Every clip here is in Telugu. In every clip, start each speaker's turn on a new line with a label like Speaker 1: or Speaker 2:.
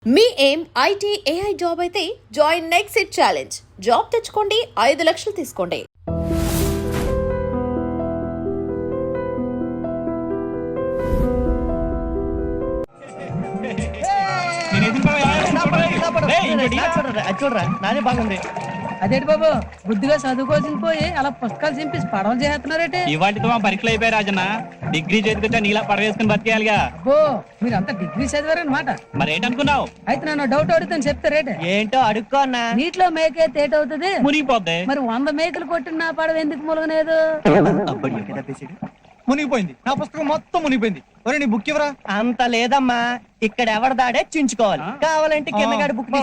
Speaker 1: మీ ఏం ఐటీ ఏఐ జాబ్ అయితే join next it challenge. Job తెచ్చుకోండి, 5 లక్షలు తీసుకోండి.
Speaker 2: చూడరా నాదే బాగుంది.
Speaker 3: అదేంటి బాబు, బుద్ధిగా చదువుకోవాల్సింది పోయి అలా పుస్తకాలు చింపేసి పడవలు చేస్తున్నారేంటి?
Speaker 4: ఇవాటితో మా పరీక్షలు అయిపోయి రాజన్న. డిగ్రీ చేతికొచ్చా నీలా పడవేసుకుని బతికేయాలిగా.
Speaker 3: ఓ, మీరంతా డిగ్రీ చదివారనమాట.
Speaker 4: మరి ఏంటనుకున్నావు?
Speaker 3: అయితే నన్ను డౌట్ అడుగుతాను, చెప్తారేటే?
Speaker 2: ఏంటో అడుక్కో అన్నా.
Speaker 3: నీటిలో మేకే తేటవుతుంది,
Speaker 4: మునిగిపోద్ది.
Speaker 3: మరి 100 మేకలు కొట్టిన పడవ ఎందుకు ములగలేదు?
Speaker 5: మునిగిపోయింది. నా పుస్తకం మొత్తం మునిగిపోయింది. ఒరే నీ బుక్ ఎవరా?
Speaker 2: అంత లేదమ్మా, ఇక్కడ ఎవరి దాడే చించుకోవాలి. కావాలంటే కిందగాడి బుక్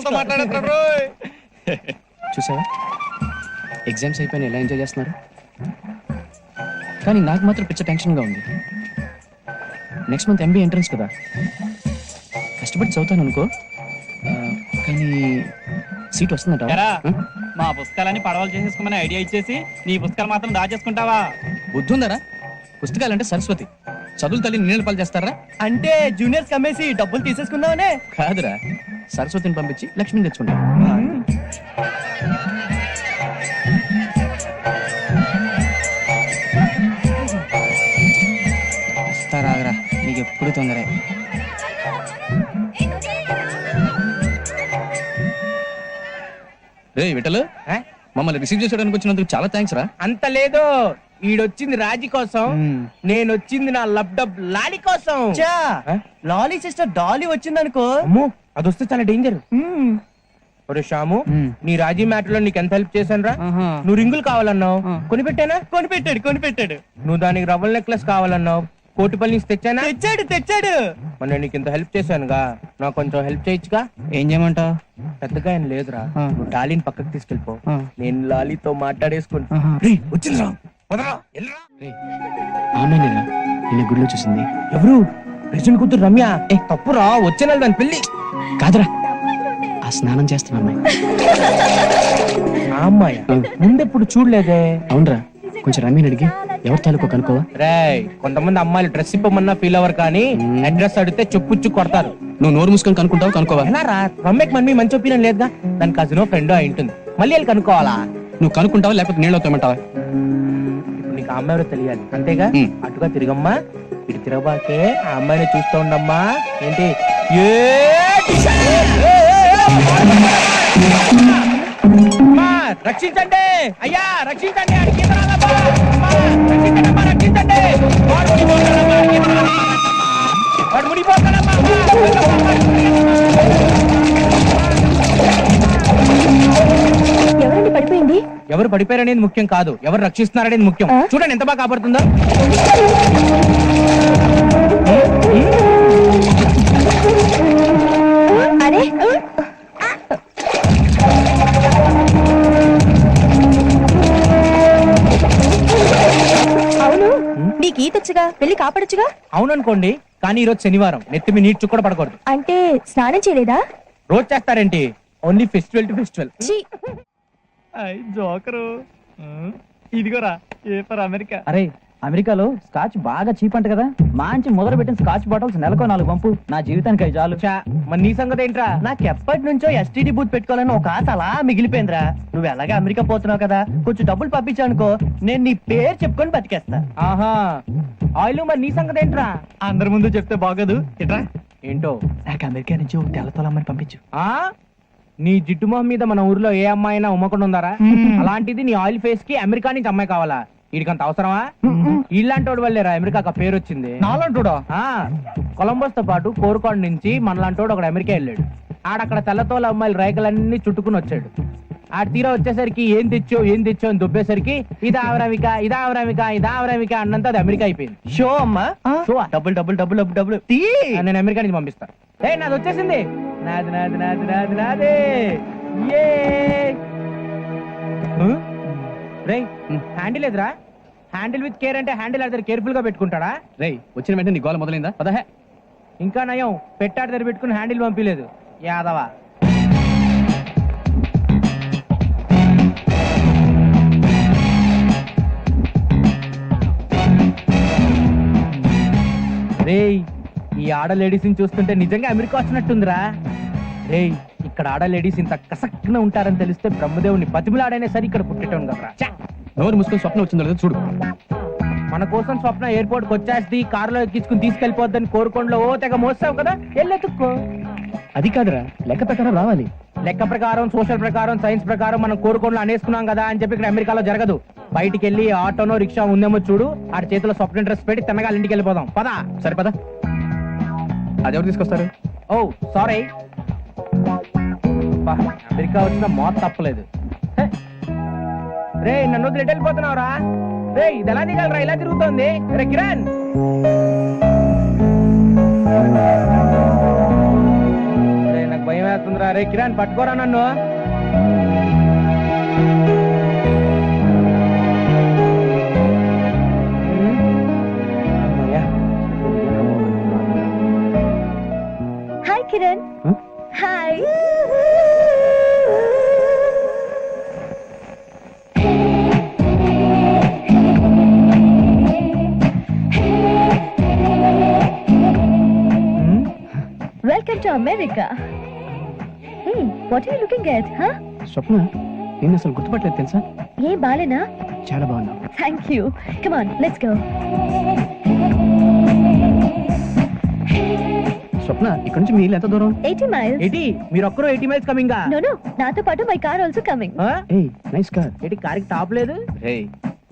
Speaker 6: చూసావా, ఎగ్జామ్స్ అయిపోయిన ఎలా ఎంజాయ్ చేస్తున్నారు. కానీ నాకు మాత్రం పిచ్చ టెన్షన్గా ఉంది. నెక్స్ట్ మంత్ ఎంబీఏ ఎంట్రన్స్ కదా, కష్టపడి చదువుతాను అనుకో, కానీ సీట్ వస్తుందట.
Speaker 4: మా పుస్తకాలన్నీ పడవలు చేసేసుకోమని ఐడియా ఇచ్చేసి నీ పుస్తకాలు మాత్రం దాచేసుకుంటావా?
Speaker 6: బుద్ధి ఉందరా? పుస్తకాలంటే సరస్వతి, చదువులు తల్లి నీళ్ళ పాలు చేస్తారా?
Speaker 2: అంటే జూనియర్స్ కమ్మేసి డబ్బులు తీసేసుకుందామనే
Speaker 6: కాదురా, సరస్వతిని పంపించి లక్ష్మిని తెచ్చుకుంటా.
Speaker 7: రాగరా, నీకు ఎప్పుడు తొందరే.
Speaker 6: రే విఠలు, మమ్మల్ని రిసీవ్ చేసేయడానికి వచ్చినందుకు చాలా థ్యాంక్స్ రా.
Speaker 8: అంత లేదు, ఈడొచ్చింది రాజీ కోసం, నేను వచ్చింది నా లబ్డబ్ లాలి కోసం.
Speaker 2: లాలీ సిస్టర్ డాలీ వచ్చిందనుకో,
Speaker 8: అమ్మో అది వస్తే చాలా డేంజర్. ఒరే శ్యాము, నీ రాజీ మ్యాటర్ లో నీకు ఎంత హెల్ప్ చేశాను రా. నువ్వు రింగులు కావాలన్నావు, కొనిపెట్టానా? కొనిపెట్టాడు. నువ్వు దానికి రవ్వల్ నెక్లెస్ కావాలన్నావు, కోటిపల్లి నుంచి తెచ్చానా? తెచ్చాడు. మరి నేను నీకు ఇంత హెల్ప్ చేశానుగా, నాకు కొంచెం హెల్ప్ చేయొచ్చుగా.
Speaker 7: ఏం చేయమంటావు?
Speaker 8: పెద్దగా ఏం లేదురా, నువ్వు డాలీని పక్కకు తీసుకెళ్ళిపో, నేను లాలీతో మాట్లాడేసుకుంటా. వచ్చిందిరా,
Speaker 6: ఆమె నిన్న గుడిలో చూసింది.
Speaker 8: ఎవరు? ప్రెసిడెంట్ కూతురు రమ్య. తప్పురా, వచ్చే నెల దాని పెళ్లి.
Speaker 6: కాదురా, ఆ స్నానం చేస్తున్న అమ్మాయి.
Speaker 8: ఆ అమ్మాయి ముందెప్పుడు చూడలేదే.
Speaker 6: అవునరా, కొంచెం రమ్యని అడిగి ఎవరి తాలూకో కనుకోవా?
Speaker 8: రేయ్, కొంతమంది అమ్మాయిలు డ్రెస్ ఇప్పమన్నా ఫీల్ అవ్వరు, కానీ అడ్రస్ అడిగితే చెప్పుచ్చు కొడతారు.
Speaker 6: నువ్వు నోరు మూసుకొని కనుక్కుంటావు, కనుకోవా?
Speaker 8: ఎలా రా, రమ్యకి మమ్మీ మంచి ఒపీనియన్ లేదుగా, దాని కజినో ఫ్రెండో అయి ఉంటుంది. మళ్ళీ వెళ్ళి కనుక్కోవాలా?
Speaker 6: నువ్వు కనుక్కుంటావా లేకపోతే నీళ్ళు అవుతామంటావా?
Speaker 8: ఇప్పుడు నీకు ఆ అమ్మాయి ఎవరో తెలియాలి అంతేగా. అటుగా తిరగమ్మా, ఇటు తిరగబాకే, ఆ అమ్మాయిని చూస్తూ ఉండమ్మా. ఏంటి రక్షించండి అయ్యా, రక్షించండి, వాడు మునిగిపోతాడమ్మా.
Speaker 9: ఎవరండి పడిపోయింది?
Speaker 8: ఎవరు పడిపోయారనేది ముఖ్యం కాదు, ఎవరు రక్షిస్తున్నారనేది ముఖ్యం. చూడండి ఎంత బాగా కాపాడుతుందో.
Speaker 9: అరే అవును, నీకు ఈతొచ్చుగా, వెళ్ళి కాపాడొచ్చుగా.
Speaker 8: అవుననుకోండి, కానీ ఈ రోజు శనివారం, నెత్తిమి నీటి చుక్క కూడా పడకూడదు.
Speaker 9: అంటే స్నానం చేయలేదా?
Speaker 8: రోజు చేస్తారేంటి? Only festival to festival.
Speaker 4: Joker ఇదిగోరా, ఏ ఫర్ అమెరికా.
Speaker 7: అరే, అమెరికాలో స్కాచ్ బాగా చీప్ అంట కదా, మంచి మొదలు పెట్టిన స్కాచ్ బాటిల్స్ నెలకో 4 పంపు, నా జీవితానికి అవి చాలు.
Speaker 8: మరి నీ సంగతి ఏంట్రా?
Speaker 2: నాకు ఎప్పటి నుంచో ఎస్టీడీ బూత్ పెట్టుకోవాలని ఒక ఆశ అలా మిగిలిపోయిందిరా. నువ్వు ఎలాగా అమెరికా పోతున్నావు కదా, కొంచెం డబ్బులు పంపించానుకో, నేను నీ పేరు చెప్పుకొని బతికేస్తా.
Speaker 8: ఆహా, ఆయిల్. మరి నీ సంగతి ఏంట్రా?
Speaker 4: అందరి ముందు చెప్తే బాగోదు. ఇట్రా.
Speaker 8: ఏంటో?
Speaker 7: నాకు అమెరికా నుంచి ఒక తెల్లతోలమ్మని పంపించు.
Speaker 8: ఆ నీ జిడ్డు మొహం మీద మన ఊర్లో ఏ అమ్మాయి అయినా ఉమ్మకుండా ఉందారా? అలాంటిది నీ ఆయిల్ ఫేస్ కి అమెరికా నుంచి అమ్మాయి కావాలా? వీడికంత అవసరమా? ఇలాంటి వాడు వల్లేరా అమెరికాకి ఆ పేరు వచ్చింది.
Speaker 7: నాలంటోడా?
Speaker 8: కొలంబస్ తో పాటు కోరుకోండ నుంచి మనలాంటోడు ఒకడు అమెరికా వెళ్ళాడు. ఆడక్కడ తెల్లతోల అమ్మాయిలు రైకలన్నీ చుట్టుకుని వచ్చాడు. ఆడ తీరా వచ్చేసరికి ఏం తెచ్చో అని దుబ్బేసరికి ఇదావరమిక అన్నంత అది అమెరికా అయిపోయింది.
Speaker 2: షో అమ్మా,
Speaker 8: షో
Speaker 2: డబ్బులు డబ్బులు డబ్బులు డబ్బులు డబ్బులు తీ.
Speaker 8: నేను అమెరికా నుంచి పంపిస్తా. నాది వచ్చేసింది, నాది. రేయ్, హ్యాండిల్ ఎదురా? హ్యాండిల్ విత్ కేర్ అంటే హ్యాండిల్ అదే కేర్ఫుల్ గా పెట్టుకుంటాడా?
Speaker 6: రేయ్, వచ్చిన వెంటనే నీ గోల మొదలైందా? పదహే.
Speaker 8: ఇంకా నయం, పెట్టాడు దగ్గర పెట్టుకుని హ్యాండిల్ పంపించలేదు యాదవా. రేయ్, ఈ ఆడ లేడీస్ ని చూస్తుంటే నిజంగా అమెరికా వచ్చినట్టుందిరా. రేయ్ ఇక్కడ ఆడ లేడీస్ ఇంత కసక్కున ఉంటారని తెలిస్తే బ్రహ్మదేవుని బతిమిలాడైనా సరే ఇక్కడ పుట్టేటోను కదరా ఛ!
Speaker 6: నోరు మూసుకొని స్వప్నం వచ్చిందో లేదో చూడు.
Speaker 8: మన కోసం స్వప్న ఎయిర్పోర్ట్ కి వచ్చేసి కారులో ఎక్కించుకుని తీసుకెళ్లిపోద్దని కోరుకోండిలో ఓ తెగ మోస్తావు కదా ఎల్లెత్తుక్కో.
Speaker 6: అది కాదురా, లెక్క ప్రకారం రావాలి.
Speaker 8: లెక్క ప్రకారం సోషల్ ప్రకారం సైన్స్ ప్రకారం మనం కోరుకోండిలో అనేసుకున్నాం కదా అని చెప్పి ఇక్కడ అమెరికాలో జరగదు. బయటికి వెళ్ళి ఆటోనో రిక్షా ఉందేమో చూడు, ఆడి చేతిలో స్వప్న డ్రెస్ పెట్టి తిన్నగా ఇంటికి వెళ్ళిపోదాం పదా.
Speaker 6: సరే పద. అది ఎవరు తీసుకొస్తారు?
Speaker 8: ఓ సారీ, అమెరికా వచ్చిన మోత తప్పలేదు. హే. రే నన్ను వదిలి ఎటు వెళ్ళిపోతున్నావురా? రే ఇది ఎలా దిగలరా, ఇలా తిరుగుతోంది. రే కిరణ్, రే నాకు భయం వేస్తుందిరా. రే కిరణ్ పట్టుకోరా నన్ను. అమ్మయ్యా.
Speaker 9: Hi Kiran.
Speaker 6: Huh?
Speaker 9: Hi. Welcome to America. Hey, what are you looking at?
Speaker 6: Swapna, నేను అసలు గుర్తుపట్టలేదు తెలుసా?
Speaker 9: ఏ బాలేనా?
Speaker 6: చాలా బాగున్నావు.
Speaker 9: Thank you. Come on let's go.
Speaker 6: Swapna, ఇక్కడ నుంచి మీ ఇల్లు ఎంత దూరం?
Speaker 9: 80 miles.
Speaker 8: ఏంటి మీరు ఒక్కరు 80 మైల్స్ కమింగా?
Speaker 9: No, no. నాతో పాటు మై కార్ ఆల్సో కమింగ్.
Speaker 6: ఏయ్, నైస్ కార్.
Speaker 8: ఏంటి కారికి టాప్ లేదు?
Speaker 6: ఏయ్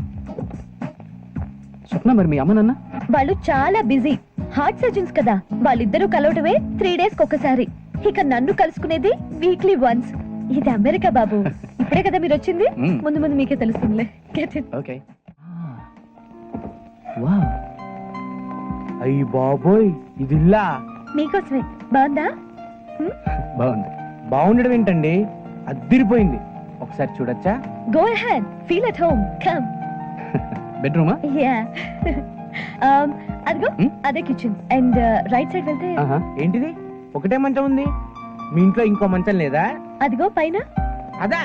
Speaker 6: స్వప్న, మరి మీ అమ్మ నాన్న?
Speaker 9: వాళ్ళు చాలా బిజీ హార్ట్ సర్జన్స్ కదా, వాళ్ళిద్దరూ కలవటమే 3 days ఒకసారి. ఇక నన్ను కలుసుకునేది వీక్లీ వన్స్. ఇది అమెరికా బాబు. ఇప్పుడే కదా మీరు వచ్చింది,
Speaker 6: Mm.
Speaker 9: ముందు ముందు మీకే తెలుస్తుందిలే. Get it?
Speaker 6: ఓకే. వావ్,
Speaker 8: అయ్యి బాబోయ్, ఇది ఇల్లా?
Speaker 9: మీకోసమే. బాగుందా?
Speaker 6: బాగుంది.
Speaker 8: బాగుండడం ఏంటండి, అద్దిరిపోయింది. ఒకసారి చూడొచ్చా?
Speaker 9: Go ahead. Feel at home. Come.
Speaker 6: బెడ్రూమా?
Speaker 9: Yeah. అదిగో
Speaker 6: Hmm?
Speaker 9: అదే కిచెన్. అండ్ రైట్ సైడ్ వెళ్తే
Speaker 6: ఆహా.
Speaker 8: ఏంటిది ఒకటే మంచం ఉంది, మీ ఇంట్లో ఇంకో మంచం లేదా?
Speaker 9: అదిగో పైన.
Speaker 8: అదా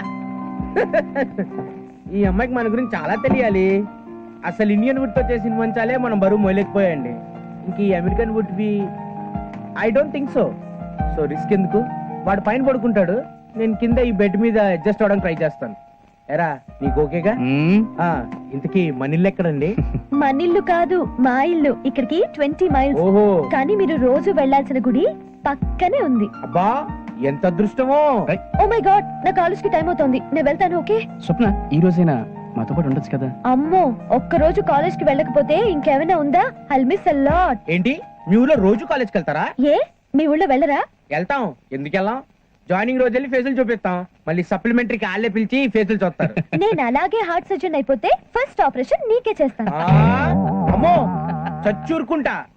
Speaker 8: ఈ అమ్మాయికి మన గురించి చాలా తెలియాలి. అసలు ఇండియన్ వుడ్ తో చేసిన మంచాలే మనం బరువు మోయలేకపోయాండి. ఇంక ఈ American would be I don't think so. So risk ఎందుకు? వాడు పైన పడుకుంటాడు, నేను కింద ఈ బెడ్ మీద అడ్జస్ట్ అవడానికి ట్రై చేస్తాను. ఎరా నీకు ఓకేగా?
Speaker 6: మ్మ్.
Speaker 8: ఇంతకీ మన ఇల్లు ఎక్కడండి?
Speaker 9: మన ఇల్లు కాదు, మా ఇల్లు. ఇక్కడికి 20 miles.
Speaker 8: ఓహో,
Speaker 9: కానీ మీరు రోజు వెళ్ళాల్సిన గుడి పక్కనే ఉంది.
Speaker 8: అబ్బా ఎంత అదృష్టమో.
Speaker 9: ఓ మై గాడ్, నా కాలేజ్ కి టైం అవుతోంది, నేను వెళ్తాను. ఓకే?
Speaker 6: స్వప్న, ఈ రోజైనా మాతో పాటు ఉండొచ్చు కదా?
Speaker 9: అమ్మో, ఒక్క రోజు కాలేజ్ కి వెళ్ళకపోతే ఇంకేమైనా ఉందా? I'll miss a lot.
Speaker 8: ఏంటి మీ ఊళ్ళో రోజు కాలేజ్కి వెళ్తారా?
Speaker 9: ఏ, మీ ఊళ్ళో వెళ్ళరా?
Speaker 8: వెళ్తాం. ఎందుకు వెళ్ళాం? జాయినింగ్ రోజు వెళ్ళి ఫేజులు చూపిస్తాం, మళ్ళీ సప్లిమెంటరీకి వాళ్ళే పిలిచి ఫేజులు చూస్తారు.
Speaker 9: నేను అలాగే హార్ట్ సర్జన్ అయిపోతే ఫస్ట్ ఆపరేషన్ నీకే చేస్తాను.
Speaker 8: అమ్మో చచ్చూరుకుంటా.